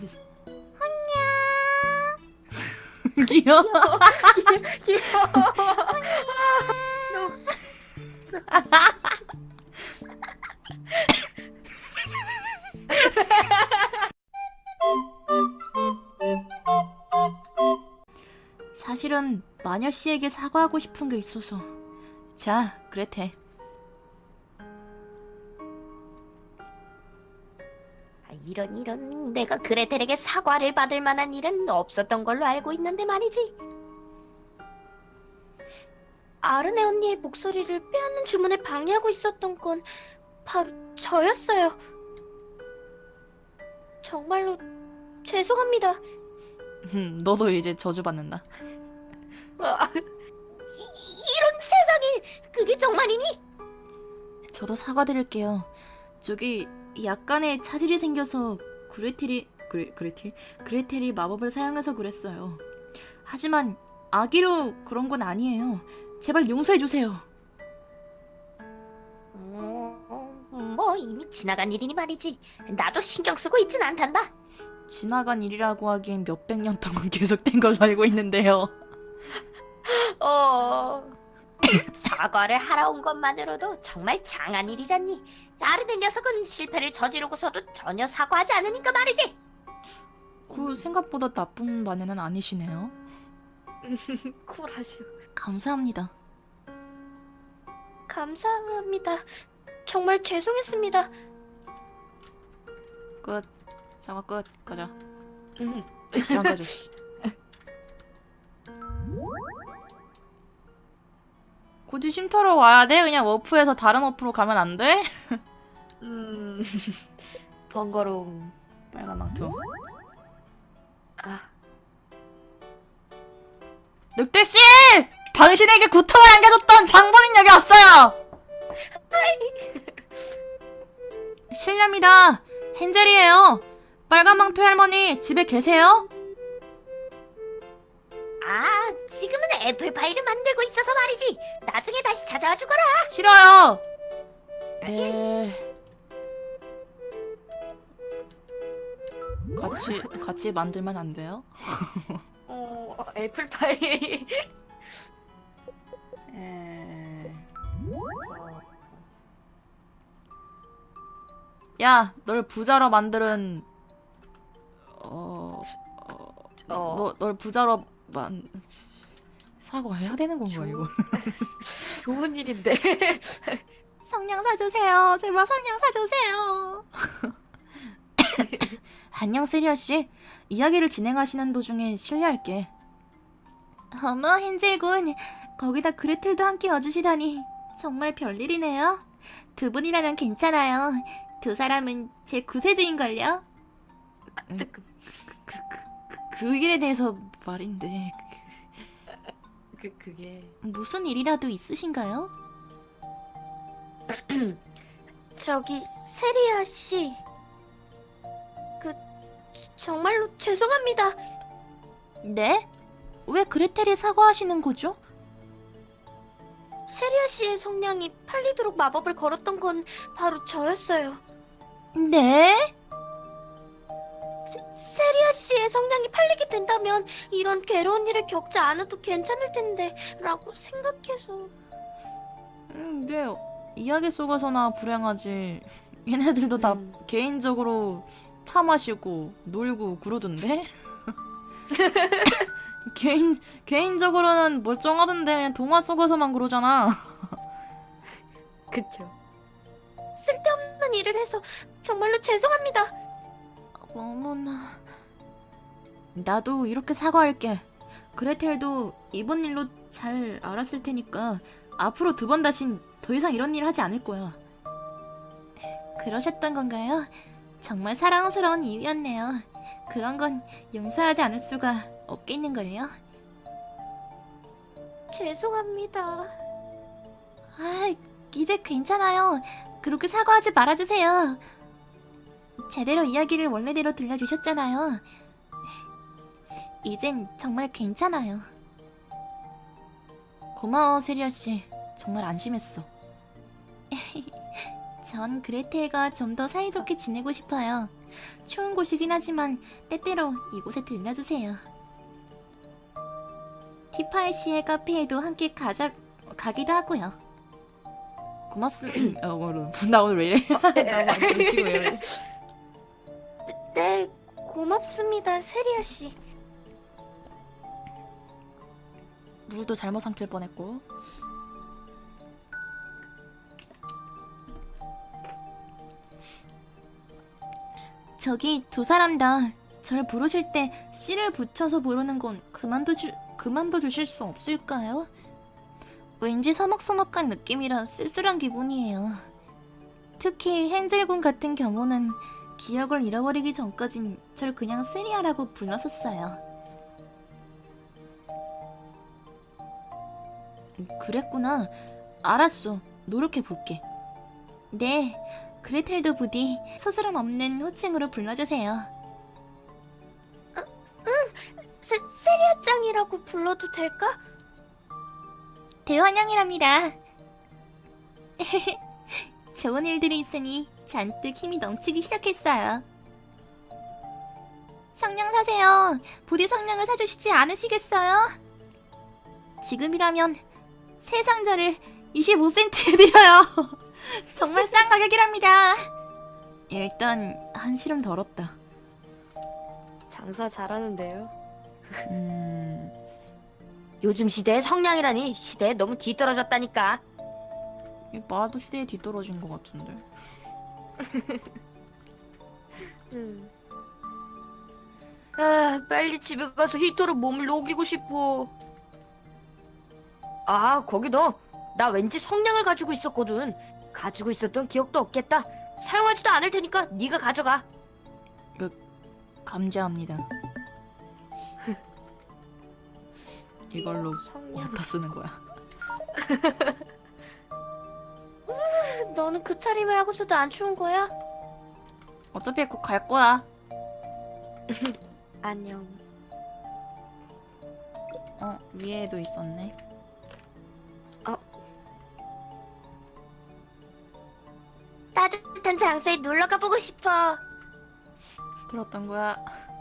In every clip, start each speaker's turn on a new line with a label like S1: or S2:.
S1: 귀여워.
S2: 귀여워. 너무
S1: 사실은 마녀 씨에게 사과하고 싶은 게 있어서. 자, 그레텔.
S2: 이런 내가 그레텔에게 사과를 받을 만한 일은 없었던 걸로 알고 있는데 말이지. 아르네 언니의 목소리를 빼앗는 주문을 방해하고 있었던 건 바로 저였어요. 정말로 죄송합니다.
S1: 너도 이제 저주받는다.
S2: 이런 세상에, 그게 정말이니?
S1: 저도 사과드릴게요. 저기 약간의 차질이 생겨서 그레텔이 마법을 사용해서 그랬어요. 하지만 악의로 그런 건 아니에요. 제발 용서해 주세요.
S2: 뭐 이미 지나간 일이니 말이지. 나도 신경 쓰고 있진 않단다.
S1: 지나간 일이라고 하기엔 몇백 년 동안 계속된 걸로 알고 있는데요.
S2: 사과를 하러 온 것만으로도 정말 장한 일이잖니. 아르네 녀석은 실패를 저지르고서도 전혀 사과하지 않으니까 말이지.
S1: 그 생각보다 나쁜 마녀는 아니시네요.
S2: 쿨하시오.
S1: 감사합니다.
S2: 감사합니다. 정말 죄송했습니다.
S1: 끝. 사과 끝. 가자. 시간 가져. 굳이 쉼터로 와야 돼? 그냥 워프에서 다른 워프로 가면 안 돼?
S2: 번거로움.
S1: 빨간 망토. 늑대씨! 당신에게 고통을 안겨줬던 장본인 여기 왔어요! 실례합니다. 헨젤이에요. 빨간 망토 할머니 집에 계세요?
S2: 지금은 애플파이를 만들고 있어서 말이지. 나중에 다시 찾아와 주거라.
S1: 싫어요. 네. 같이 만들면 안 돼요?
S2: 애플파이.
S1: 야, 널 부자로 만드는 널 부자로 사과해야 되는 건가 이거?
S2: 좋은 일인데.
S1: 성냥 사주세요. 제발 성냥 사주세요. 안녕 세리아 씨. 이야기를 진행하시는 도중에 실례할게. 어머 헨젤군. 거기다 그레텔도 함께 와주시다니 정말 별일이네요. 두 분이라면 괜찮아요. 두 사람은 제 구세주인걸요. 그 일에 대해서 말인데
S2: 그게
S1: 무슨 일이라도 있으신가요?
S2: 저기 세리아 씨. 정말로 죄송합니다.
S1: 네? 왜 그레텔이 사과하시는 거죠?
S2: 세리아 씨의 성냥이 팔리도록 마법을 걸었던 건 바로 저였어요.
S1: 네?
S2: 세리아 씨의 성냥이 팔리게 된다면 이런 괴로운 일을 겪지 않아도 괜찮을 텐데 라고 생각해서.
S1: 네. 이야기 속에서나 불행하지. 얘네들도 다 개인적으로 차 마시고 놀고 그러던데? 개인적으로는 멀쩡하던데 동화 속에서만 그러잖아.
S2: 그쵸. 쓸데없는 일을 해서 정말로 죄송합니다.
S1: 어머나. 나도 이렇게 사과할게. 그레텔도 이번 일로 잘 알았을 테니까 앞으로 두 번 다신 더 이상 이런 일 하지 않을 거야. 그러셨던 건가요? 정말 사랑스러운 이유였네요. 그런 건 용서하지 않을 수가 없겠는걸요?
S2: 죄송합니다.
S1: 이제 괜찮아요. 그렇게 사과하지 말아주세요. 제대로 이야기를 원래대로 들려주셨잖아요. 이젠 정말 괜찮아요. 고마워, 세리아씨. 정말 안심했어. 전 그레텔과 좀 더 사이좋게 지내고 싶어요. 추운 곳이긴 하지만 때때로 이곳에 들려주세요. 티파이 씨의 카페에도 함께 가기도 하고요. 고맙습니다. 나 오늘 왜 이래? 나 지금 왜 이래?
S2: 네, 고맙습니다, 세리아 씨.
S1: 물도 잘못 삼킬 뻔했고. 저기 두 사람 다 절 부르실 때 씨를 붙여서 부르는 건 그만둬 주실 수 없을까요? 왠지 서먹서먹한 느낌이라 쓸쓸한 기분이에요. 특히 헨젤군 같은 경우는 기억을 잃어버리기 전까진 절 그냥 세리아라고 불렀었어요. 그랬구나. 알았어. 노력해볼게. 네, 그레텔도 부디 서스럼 없는 호칭으로 불러주세요.
S2: 세리아 짱이라고 불러도 될까?
S1: 대환영이랍니다. 좋은 일들이 있으니 잔뜩 힘이 넘치기 시작했어요. 성냥 사세요. 부디 성냥을 사주시지 않으시겠어요? 지금이라면 세 상자를 25센트에 드려요. 정말 싼 가격이랍니다. 일단 한시름 덜었다.
S2: 장사 잘하는데요. 요즘 시대에 성냥이라니 시대에 너무 뒤떨어졌다니까.
S1: 말도 시대에 뒤떨어진 것 같은데.
S2: 아, 빨리 집에 가서 히터로 몸을 녹이고 싶어. 아, 거기다 나 왠지 성냥을 가지고 있었거든. 가지고 있었던 기억도 없겠다. 사용하지도 않을 테니까 네가 가져가.
S1: 감사합니다. 이걸로
S2: 성냥.
S1: 어디다 쓰는 거야?
S2: 너는 그 차림을 하고서도 안 추운 거야?
S1: 어차피 곧 갈 거야.
S2: 안녕.
S1: 위에도 있었네.
S2: 따뜻한 장소에 놀러 가보고 싶어.
S1: 들었던 거야.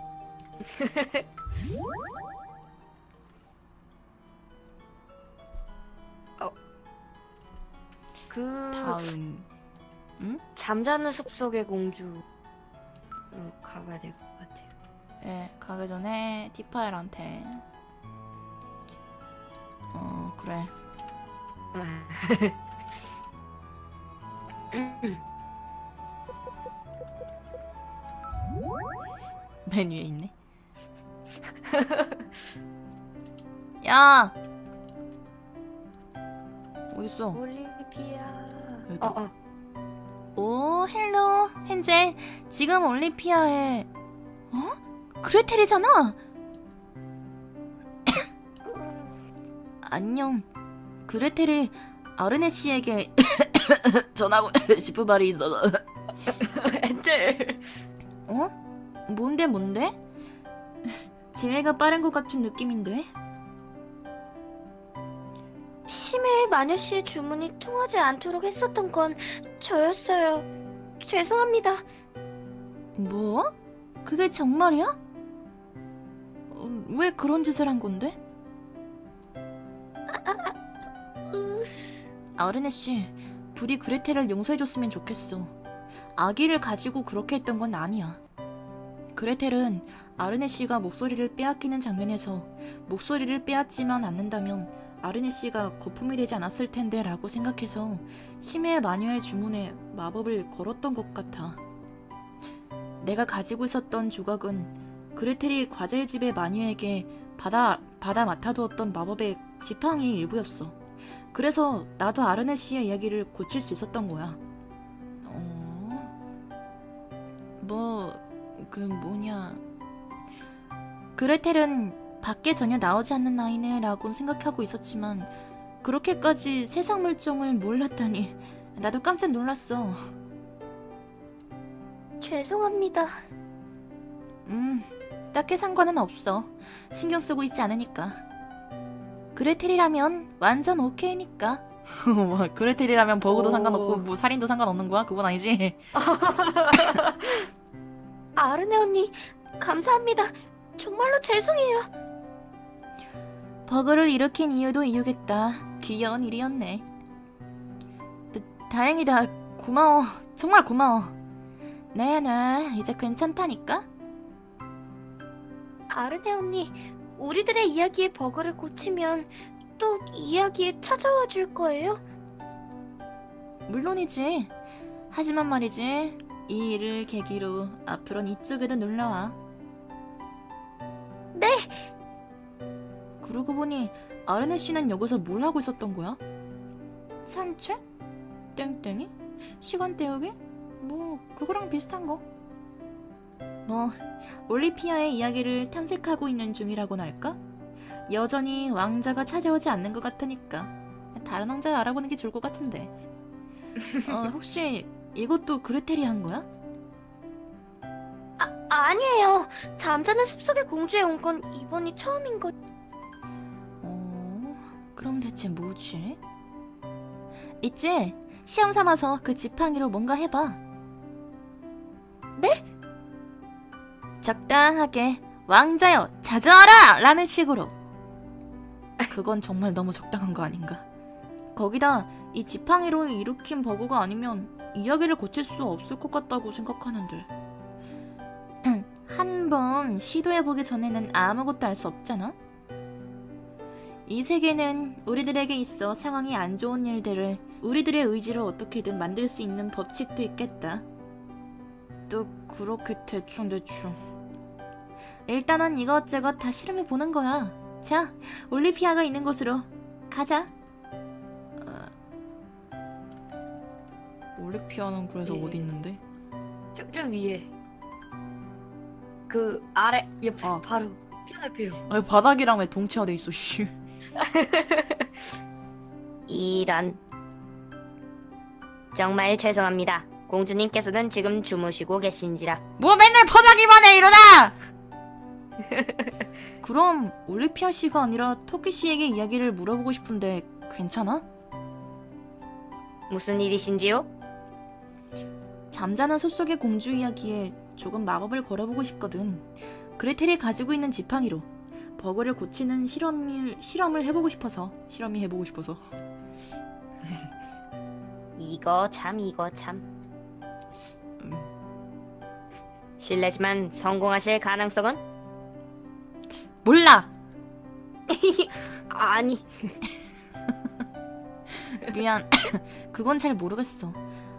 S1: 다음.
S2: 잠자는 숲속의 공주로 가봐야 될 것 같아요.
S1: 예, 가기 전에 티파일한테. 그래. 맨 위에 있네. 야! 어딨어?
S2: 올리비아.
S1: 여기다. 오, 헬로, 헨젤. 지금 올리피아에 그레텔이잖아. 안녕. 그레텔이 아르네 씨에게 전하고 싶은 말이 있어서.
S2: 엔젤.
S1: 뭔데? 재회가 빠른 것 같은 느낌인데?
S2: 심해의 마녀 씨의 주문이 통하지 않도록 했었던 건 저였어요. 죄송합니다.
S1: 뭐? 그게 정말이야? 왜 그런 짓을 한 건데? 아르네 씨, 부디 그레텔을 용서해줬으면 좋겠어. 아기를 가지고 그렇게 했던 건 아니야. 그레텔은 아르네 씨가 목소리를 빼앗기는 장면에서 목소리를 빼앗지만 않는다면 아르네 씨가 거품이 되지 않았을 텐데 라고 생각해서 심해의 마녀의 주문에 마법을 걸었던 것 같아. 내가 가지고 있었던 조각은 그레텔이 과자의 집의 마녀에게 받아 맡아두었던 마법의 지팡이 일부였어. 그래서 나도 아르네 씨의 이야기를 고칠 수 있었던 거야. 그레텔은 밖에 전혀 나오지 않는 아이네 라고 생각하고 있었지만 그렇게까지 세상 물정을 몰랐다니 나도 깜짝 놀랐어.
S2: 죄송합니다.
S1: 딱히 상관은 없어. 신경 쓰고 있지 않으니까. 그레텔이라면 완전 오케이니까. 그레텔이라면 버그도
S2: 오.
S1: 상관없고 뭐 살인도 상관없는 거야? 그건 아니지?
S2: 아르네 언니, 감사합니다. 정말로 죄송해요.
S1: 버그를 일으킨 이유도 이유겠다. 귀여운 일이었네. 다행이다. 고마워. 정말 고마워. 네네, 이제 괜찮다니까?
S2: 아르네 언니, 우리들의 이야기의 버그를 고치면 또 이야기에 찾아와 줄 거예요?
S1: 물론이지. 하지만 말이지, 이 일을 계기로 앞으로는 이쪽에도 놀러와.
S2: 네.
S1: 그러고 보니 아르네 씨는 여기서 뭘 하고 있었던 거야? 산책? 땡땡이? 시간 때우기? 뭐 그거랑 비슷한 거. 뭐 올리피아의 이야기를 탐색하고 있는 중이라고나 할까? 여전히 왕자가 찾아오지 않는 것 같으니까 다른 왕자 알아보는 게 좋을 것 같은데. 혹시 이것도 그레텔이 한 거야?
S2: 아니에요. 잠자는 숲속의 공주에 온 건 이번이 처음인 것.
S1: 그럼 대체 뭐지? 있지? 시험 삼아서 그 지팡이로 뭔가 해봐.
S2: 네?
S1: 적당하게 왕자여 자주하라! 라는 식으로. 그건 정말 너무 적당한 거 아닌가? 거기다 이 지팡이로 일으킨 버그가 아니면 이야기를 고칠 수 없을 것 같다고 생각하는데. 한번 시도해보기 전에는 아무것도 할 수 없잖아? 이 세계는 우리들에게 있어 상황이 안 좋은 일들을 우리들의 의지로 어떻게든 만들 수 있는 법칙도 있겠다. 또 그렇게 대충대충. 일단은 이것저것 다 실험해보는 거야. 자, 올리피아가 있는 곳으로 가자. 올리피아는 그래서
S2: 예.
S1: 어디 있는데?
S2: 좀 위에. 그 아래 옆에
S1: 아.
S2: 바로 피아노.
S1: 아니 바닥이랑 왜 동체화돼 있어 씨.
S2: 이런. 정말 죄송합니다. 공주님께서는 지금 주무시고 계신지라.
S1: 뭐 맨날 퍼자기만 해 일어나! 그럼 올리피아 씨가 아니라 토끼 씨에게 이야기를 물어보고 싶은데 괜찮아?
S2: 무슨 일이신지요?
S1: 잠자는 숲속의 공주 이야기에 조금 마법을 걸어보고 싶거든. 그레텔이 가지고 있는 지팡이로 버그를 고치는 실험을 해보고 싶어서.
S2: 이거 참. 실례지만 성공하실 가능성은?
S1: 몰라.
S2: 아니.
S1: 미안. 그건 잘 모르겠어.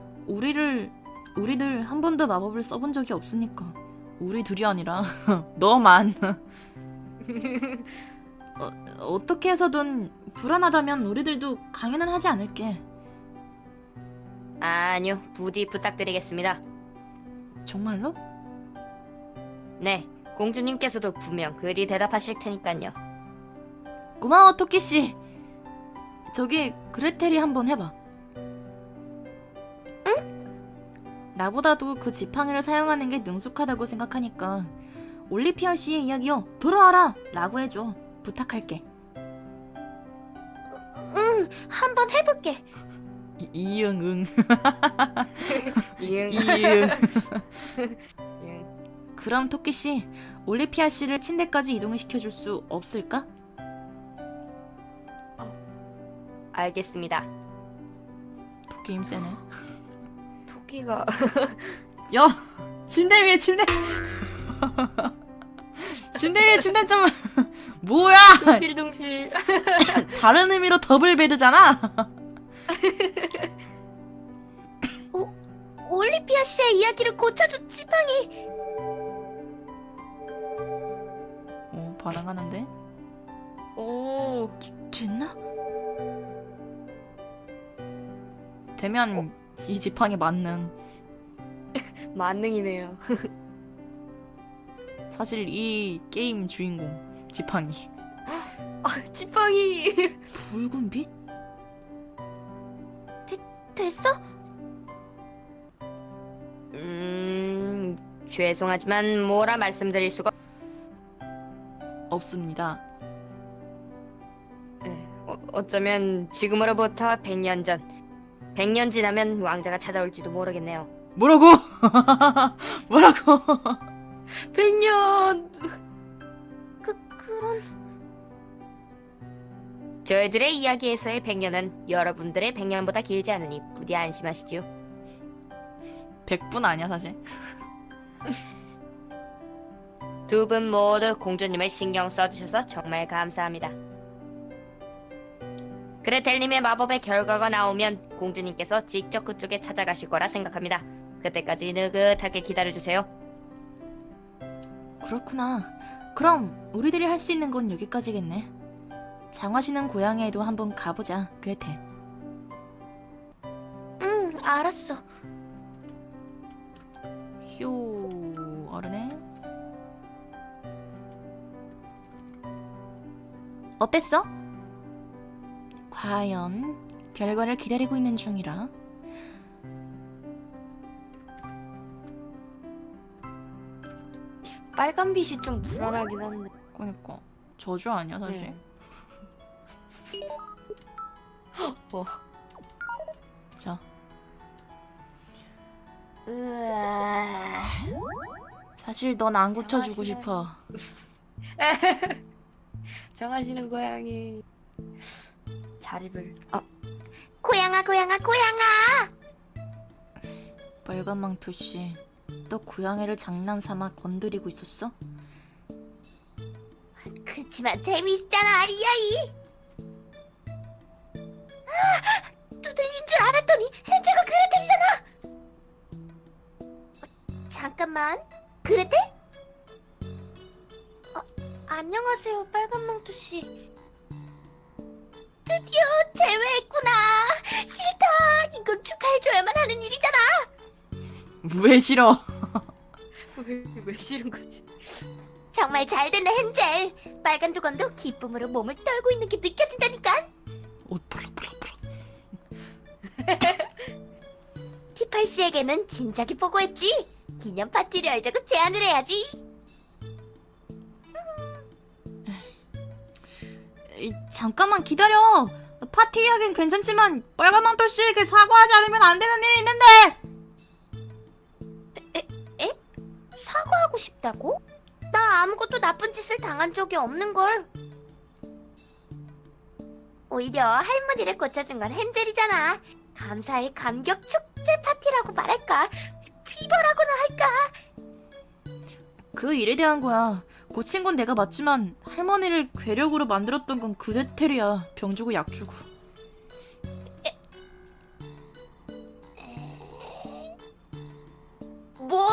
S1: 우리들 한 번도 마법을 써본 적이 없으니까. 우리 둘이 아니라 너만. 어떻게 해서든 불안하다면 우리들도 강연은 하지 않을게.
S2: 아니요, 부디 부탁드리겠습니다.
S1: 정말로?
S2: 네, 공주님께서도 분명 그리 대답하실 테니까요.
S1: 고마워 토끼씨. 저기 그레텔이 한번 해봐. 응? 나보다도 그 지팡이를 사용하는 게 능숙하다고 생각하니까 올리피아 씨의 이야기요 들어와라 라고 해줘. 부탁할게.
S2: 응, 한번 해볼게.
S1: 이응.
S2: 이응.
S1: 이응.
S2: 응.
S1: 그럼 토끼씨 올리피아 씨를 침대까지 이동을 시켜줄 수 없을까?
S2: 알겠습니다.
S1: 토끼 힘 세네.
S2: 토끼가
S1: 야! 침대 위에 침대! 침대 위에 침대 좀 뭐야!
S2: 둥실둥실.
S1: 다른 의미로 더블 베드잖아.
S2: 올리피아 씨의 이야기를 고쳐준 지팡이.
S1: 반항하는데?
S2: 오.
S1: 됐나? 되면 이 지팡이 만능.
S2: 만능이네요.
S1: 사실 이 게임 주인공 지팡이.
S2: 아, 지팡이.
S1: 붉은 빛?
S2: 됐어? 죄송하지만 뭐라 말씀드릴 수가.
S1: 없습니다.
S2: 어쩌면 지금으로부터 100년 전. 100년 지나면 왕자가 찾아올지도 모르겠네요.
S1: 뭐라고? 뭐라고?
S2: 100년. 그런 저희들의 이야기에서의 100년은 여러분들의 100년보다 길지 않으니 부디 안심하시지요.
S1: 100분 아니야 사실.
S2: 두 분 모두 공주님을 신경 써주셔서 정말 감사합니다. 그레텔님의 마법의 결과가 나오면 공주님께서 직접 그쪽에 찾아가실 거라 생각합니다. 그때까지 느긋하게 기다려주세요.
S1: 그렇구나. 그럼 우리들이 할 수 있는 건 여기까지겠네. 장화시는 고향에도 한번 가보자, 그레텔.
S2: 응, 알았어.
S1: 휴, 어르네. 어땠어? 과연 결과를 기다리고 있는 중이라.
S2: 빨간 빛이 좀 불안하긴 한데.
S1: 그러니까 저주 아니야 사실.
S2: 뭐.
S1: 자,
S2: 으아.
S1: 사실 넌 안 고쳐주고 싶어.
S2: 정하시는 고양이. 자립을. 고양아, 고양아, 고양아.
S1: 빨간 망토 씨, 너 고양이를 장난삼아 건드리고 있었어?
S2: 그치만 재미있잖아, 이야이. 두들린 줄 알았더니 헨젤과 그레텔이잖아. 잠깐만, 그레텔? 안녕하세요, 빨간망토 씨. 드디어 제외했구나. 싫다. 이건 축하해줘야만 하는 일이잖아.
S1: 왜 싫어?
S2: 왜 싫은 거지? 정말 잘 됐네, 헨젤. 빨간 두건도 기쁨으로 몸을 떨고 있는 게 느껴진다니까.
S1: 옷 벌럭벌럭벌럭.
S2: 티팔 씨에게는 진작에 보고했지. 기념 파티를 열자고 제안을 해야지.
S1: 잠깐만 기다려. 파티 이야기는 괜찮지만 빨간 망토 씨에게 사과하지 않으면 안 되는 일이 있는데.
S2: 사과하고 싶다고? 나 아무것도 나쁜 짓을 당한 적이 없는걸. 오히려 할머니를 고쳐준 건 헨젤이잖아. 감사의 감격 축제 파티라고 말할까? 피버라고나 할까?
S1: 그 일에 대한 거야. 고친 건 내가 맞지만 할머니를 괴력으로 만들었던 건 그레텔이야. 병 주고 약 주고.
S2: 뭐?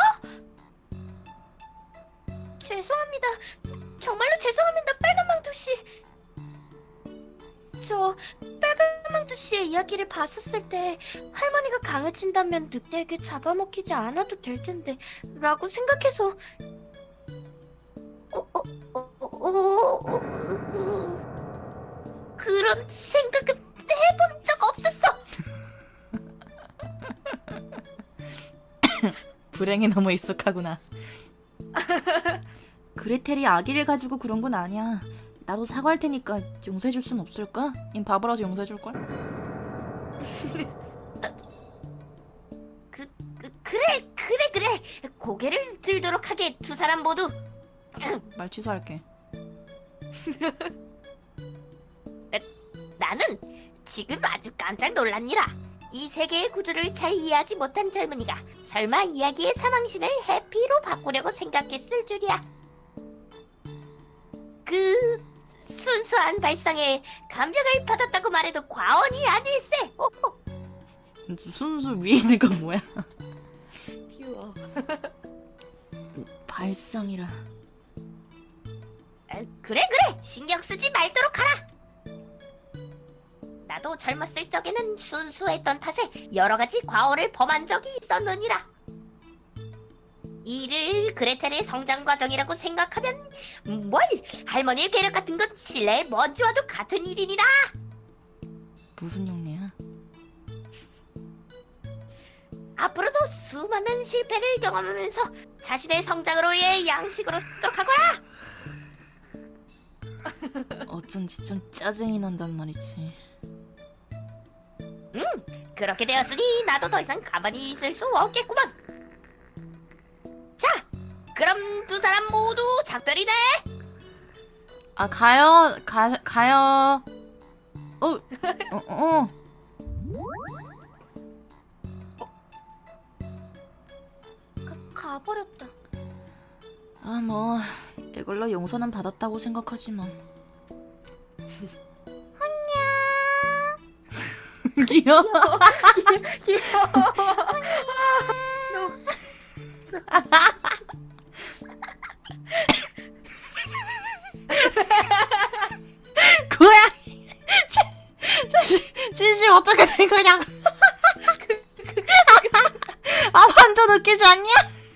S2: 죄송합니다. 정말로 죄송합니다, 빨간망토 씨. 저 빨간망토 씨의 이야기를 봤었을 때 할머니가 강해진다면 늑대에게 잡아먹히지 않아도 될 텐데 라고 생각해서 그런 생각은 해본 적 없었어.
S1: 불행에 너무 익숙하구나. 그레텔이 아기를 가지고 그런 건 아니야. 나도 사과할 테니까 용서해줄 순 없을까? 인 바보라서 용서해줄걸?
S2: 그래. 고개를 들도록 하게, 두 사람 모두.
S1: 말 취소할게.
S2: 나는 지금 아주 깜짝 놀랐니라. 이 세계의 구조를 잘 이해하지 못한 젊은이가 설마 이야기의 사망신을 해피로 바꾸려고 생각했을 줄이야. 그 순수한 발상에 감명을 받았다고 말해도 과언이 아닐세.
S1: 순수 위에 있는 건 뭐야?
S2: 퓨어.
S1: 발상이라.
S2: 그래 신경 쓰지 말도록 하라. 나도 젊었을 적에는 순수했던 탓에 여러 가지 과오를 범한 적이 있었느니라. 이를 그레텔의 성장 과정이라고 생각하면 뭘 할머니의 괴력 같은 건 신뢰에 먼지와도 같은 일이니라.
S1: 무슨 용례야?
S2: 앞으로도 수많은 실패를 경험하면서 자신의 성장으로의 양식으로 습득하거라.
S1: 어쩐지 좀 짜증이 난단 말이지.
S2: 그렇게 되었으니 나도 더 이상 가만히 있을 수 없겠구만. 자, 그럼 두 사람 모두 작별이네.
S1: 아, 가요. 어.
S2: 가버렸다.
S1: 아, 뭐 이걸로 용서는 받았다고 생각하지만. 안녕. 귀여워.
S2: 귀여워.
S1: 고양이. 진심 어떻게 된 거냐고. 아, 완전 웃기지 않냐?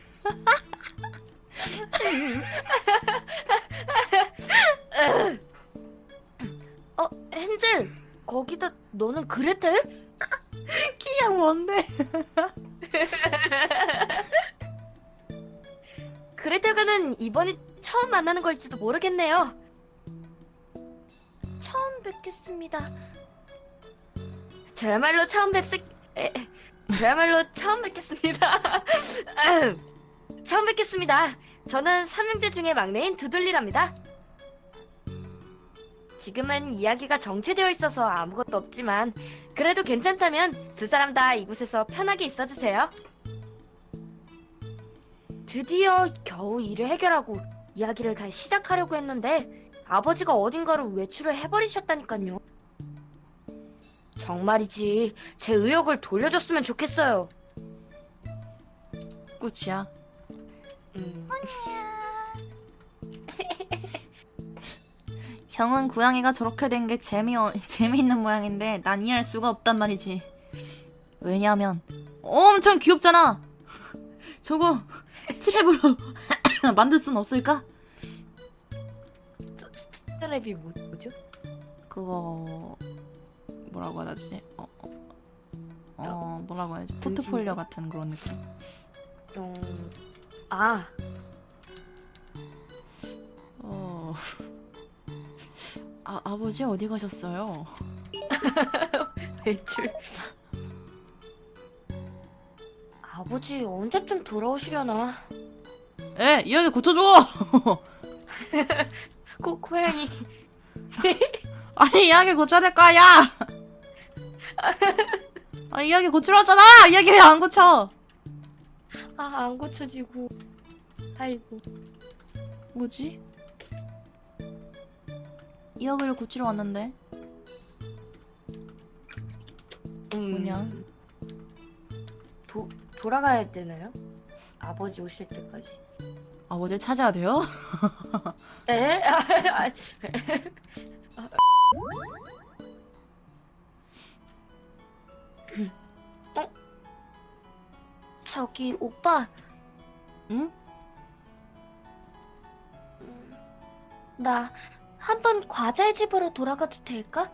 S2: 헨젤, 거기다 너는 그레텔?
S1: 키가 뭔데?
S2: 그레텔과는 이번이 처음 만나는 걸지도 모르겠네요. 처음 뵙겠습니다. 저야말로 처음 뵙겠습니다. 처음 뵙겠습니다. 저는 삼형제 중에 막내인 두들리랍니다. 지금은 이야기가 정체되어 있어서 아무것도 없지만 그래도 괜찮다면 두 사람 다 이곳에서 편하게 있어주세요. 드디어 겨우 일을 해결하고 이야기를 다시 시작하려고 했는데 아버지가 어딘가로 외출을 해버리셨다니까요. 정말이지 제 의욕을 돌려줬으면 좋겠어요.
S1: 끝이야. 형은 고양이가 저렇게 된 게 재미있는 모양인데 난 이해할 수가 없단 말이지. 왜냐하면 엄청 귀엽잖아. 저거 스트랩으로 만들 순 없을까?
S2: 스트랩이 뭐죠?
S1: 그거 뭐라고 해야 되지? 뭐라고 해야지? 포트폴리오 같은 그런 느낌.
S2: 아,
S1: 아버지 어디 가셨어요?
S2: 외출. 아버지 언제쯤 돌아오시려나?
S1: 에, 이야기 고쳐줘!
S2: 고양이.
S1: 아니, 이야기 고쳐야 될 거 아니야! 아, 이야기 고치러 왔잖아! 이야기 왜 안 고쳐!
S2: 안 고쳐지고. 아이고.
S1: 뭐지? 이야기를 고치러 왔는데 뭐냐?
S2: 돌아가야 되나요? 아버지 오실 때까지.
S1: 아버지를 찾아야 돼요?
S2: 에? 저기 오빠.
S1: 응?
S2: 나 한번 과자의 집으로 돌아가도 될까?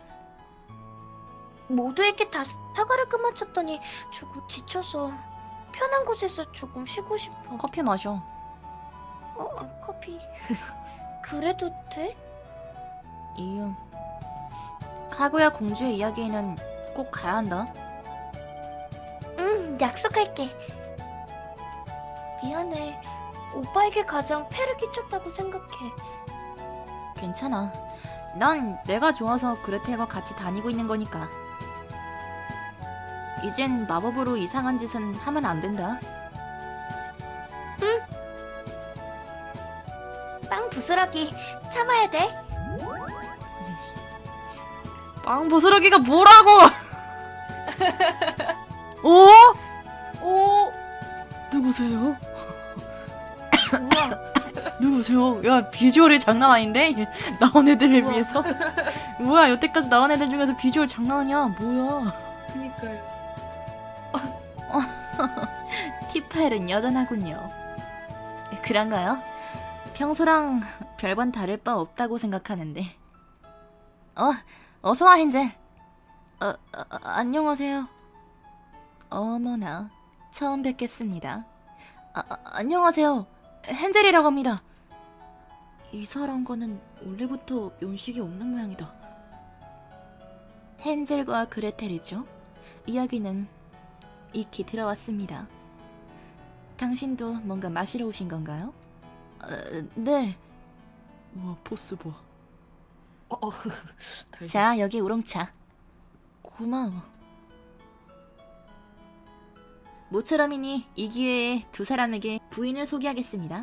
S2: 모두에게 다 사과를 끊어쳤더니 조금 지쳐서 편한 곳에서 조금 쉬고 싶어.
S1: 커피 마셔.
S2: 커피. 그래도 돼?
S1: 이유. 카구야 공주의 이야기에는 꼭 가야 한다.
S2: 응, 약속할게. 미안해. 오빠에게 가장 폐를 끼쳤다고 생각해.
S1: 괜찮아. 난 내가 좋아서 그레텔과 같이 다니고 있는 거니까. 이젠 마법으로 이상한 짓은 하면 안 된다.
S2: 빵 부스러기 참아야 돼.
S1: 빵 부스러기가 뭐라고! 오?
S2: 오,
S1: 누구세요?
S2: 우와.
S1: 누구세요? 야, 비주얼이 장난 아닌데? 나온 애들에
S2: 우와.
S1: 비해서? 뭐야, 여태까지 나온 애들 중에서 비주얼 장난 아니야. 뭐야.
S2: 그니까요.
S1: 티파일은 여전하군요. 그런가요? 평소랑 별반 다를 바 없다고 생각하는데. 어서와, 헨젤. 안녕하세요. 어머나, 처음 뵙겠습니다. 안녕하세요. 헨젤이라고 합니다. 이 사람과는 원래부터 면식이 없는 모양이다. 헨젤과 그레텔이죠. 이야기는 익히 들어왔습니다. 당신도 뭔가 마시러 오신 건가요? 네.
S3: 와, 포스 봐.
S1: 자, 여기 우롱차. 고마워. 모처럼이니 이 기회에 두 사람에게 부인을 소개하겠습니다.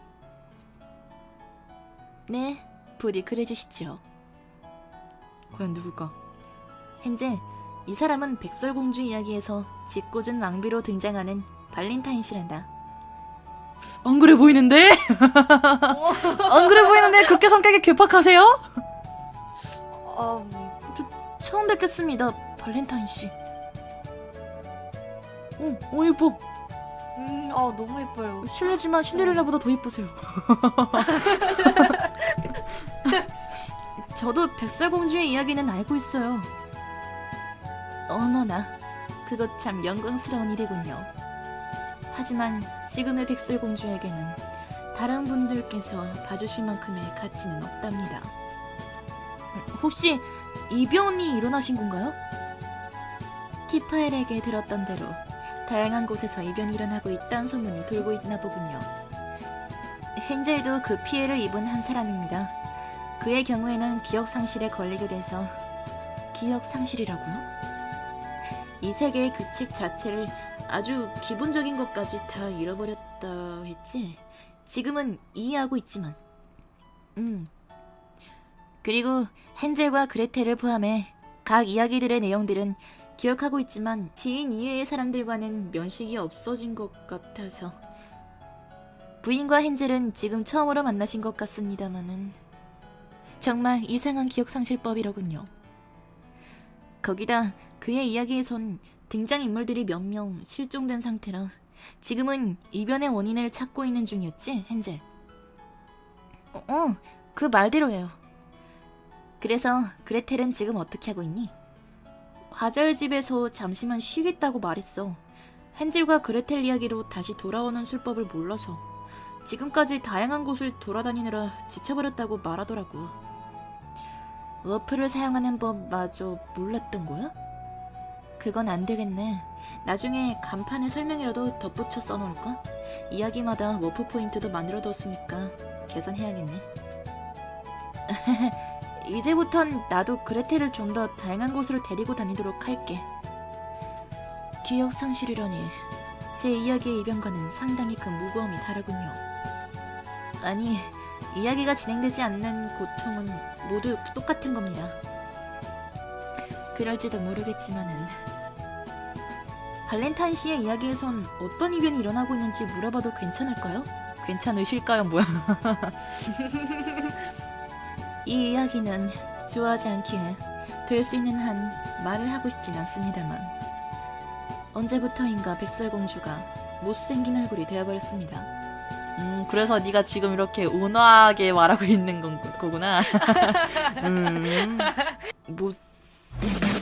S1: 네, 부디 그래주시죠.
S3: 과연 누굴까?
S1: 헨젤, 이 사람은 백설공주 이야기에서 짓궂은 왕비로 등장하는 발렌타인 씨란다.
S3: 안 그래 보이는데? 안 그래 보이는데 그렇게 성격이 괴팍하세요?
S1: 처음 뵙겠습니다, 발렌타인 씨.
S3: 예뻐.
S2: 너무 예뻐요.
S1: 실례지만 신데렐라보다 더 예쁘세요. 저도 백설공주의 이야기는 알고 있어요. 어머나, 그것 참 영광스러운 일이군요. 하지만 지금의 백설공주에게는 다른 분들께서 봐주실 만큼의 가치는 없답니다. 혹시 이변이 일어나신 건가요? 티파엘에게 들었던 대로 다양한 곳에서 이변이 일어나고 있다는 소문이 돌고 있나 보군요. 헨젤도 그 피해를 입은 한 사람입니다. 그의 경우에는 기억 상실에 걸리게 돼서 기억 상실이라고요? 이 세계의 규칙 자체를 아주 기본적인 것까지 다 잃어버렸다 했지? 지금은 이해하고 있지만 그리고 헨젤과 그레텔을 포함해 각 이야기들의 내용들은 기억하고 있지만 지인 이외의 사람들과는 면식이 없어진 것 같아서 부인과 헨젤은 지금 처음으로 만나신 것 같습니다마는 정말 이상한 기억상실법이로군요. 거기다 그의 이야기에선 등장인물들이 몇 명 실종된 상태라 지금은 이변의 원인을 찾고 있는 중이었지, 헨젤? 그 말대로예요. 그래서 그레텔은 지금 어떻게 하고 있니? 과자의 집에서 잠시만 쉬겠다고 말했어. 헨젤과 그레텔 이야기로 다시 돌아오는 술법을 몰라서 지금까지 다양한 곳을 돌아다니느라 지쳐버렸다고 말하더라고. 워프를 사용하는 법마저 몰랐던 거야? 그건 안 되겠네. 나중에 간판에 설명이라도 덧붙여 써놓을까? 이야기마다 워프 포인트도 만들어뒀으니까 계산해야겠네. 이제부턴 나도 그레텔을 좀 더 다양한 곳으로 데리고 다니도록 할게. 기억 상실이라니 제 이야기의 이변과는 상당히 큰 무거움이 다르군요. 아니, 이야기가 진행되지 않는 고통은 모두 똑같은 겁니다. 그럴지도 모르겠지만은 발렌타인 씨의 이야기에선 어떤 이변이 일어나고 있는지 물어봐도 괜찮을까요?
S3: 괜찮으실까요? 뭐야?
S1: 이 이야기는 좋아하지 않기에 될 수 있는 한 말을 하고 싶진 않습니다만 언제부터인가 백설공주가 못생긴 얼굴이 되어버렸습니다.
S3: 그래서 네가 지금 이렇게 온화하게 말하고 있는 거구나.
S1: 못생긴